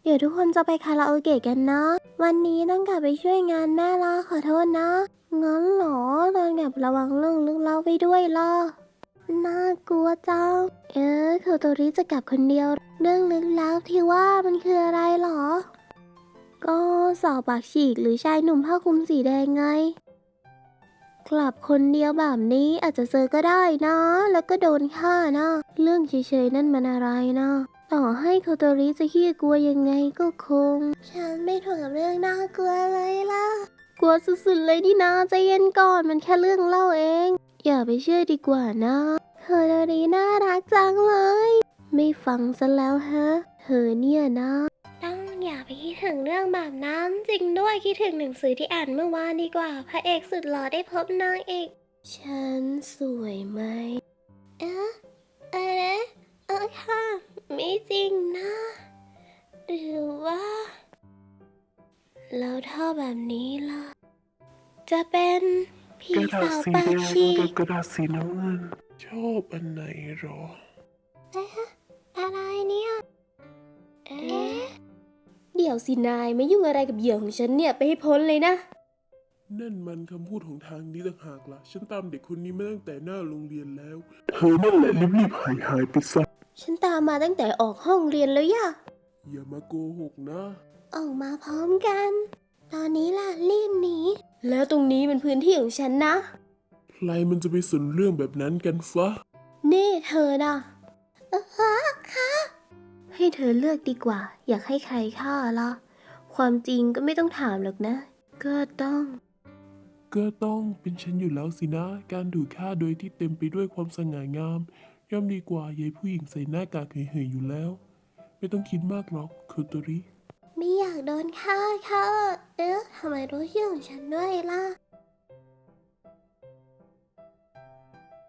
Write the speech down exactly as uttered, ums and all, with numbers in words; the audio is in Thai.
ดี๋ยวทุกคนจะไปคาราโอเกะกันนะวันนี้ต้องกลับไปช่วยงานแม่ละขอโทษนะงั้นเหรอตอนกลับระวังเรื่องลึกลับไปด้วยล่ะน่ากลัวจังเอ๊ะโคโตริจะกลับคนเดียวเรื่องลึกลับที่ว่ามันคืออะไรหรอก็สอบปากฉีกหรือชายหนุ่มผ้าคลุมสีแดงไงกลับคนเดียวแบบนี้อาจจะเจอก็ได้นะแล้วก็โดนฆ่านะเรื่องเฉยๆนั่นมันอะไรนะต่อให้โคโตริจะขี้กลัวยังไงก็คงฉันไม่ถูกกับเรื่องน่ากลัวเลยล่ะกลัวสุดๆเลยนี่นะใจเย็นก่อนมันแค่เรื่องเล่าเองอย่าไปเชื่อดีกว่านะโคโตริน่ารักจังเลยไม่ฟังซะแล้วฮะเธอเนี่ยนะต้องอย่าไปคิดถึงเรื่องแบบนั้นจริงด้วยคิดถึงหนังสือที่อ่านเมื่อวานดีกว่าพระเอกสุดหล่อได้พบนางเอกฉันสวยไหมเอ๊ะอะไรเออค่ะไม่จริงนะหรือว่าแล้วถ้าแบบนี้ล่ะจะเป็นผีกระดาษสาวสีปาแดกงฉีกับกกระดาษสีน้ำเงินชอบอันไหนหรอเอ๊ะอะไรเนี่ยเอ๊ะเดี๋ยวสินายไม่ยุ่งอะไรกับเหยื่อของฉันเนี่ยไปให้พ้นเลยนะนั่นมันคำพูดของทางนี้ต่างหากล่ะฉันตามเด็กคนนี้มาตั้งแต่หน้าโรงเรียนแล้วเธอนั่นแหละรีบๆหายหายไปซะฉันตามมาตั้งแต่ออกห้องเรียนแล้วย่ะอย่ามาโกหกนะออกมาพร้อมกัน ตอนนี้ล่ะรีบหนีแล้วตรงนี้เป็นพื้นที่ของฉันนะใครมันจะไปสนเรื่องแบบนั้นกันฟะนี่เธอนะเออค่ะให้เธอเลือกดีกว่า อยากให้ใครฆ่าล่ะ ความจริงก็ไม่ต้องถามหรอกนะ ก็ต้องก็ต้องเป็นฉันอยู่แล้วสินะ การถูกฆ่าโดยที่เต็มไปด้วยความสง่างาม ย่อมดีกว่ายายผู้หญิงใส่หน้ากากเหยๆอยู่แล้ว ไม่ต้องคิดมากหรอกโคโตริไม่อยากโดนฆ่าค่ะเอ๊ะทำไมรู้ชื่อของฉันด้วยล่ะ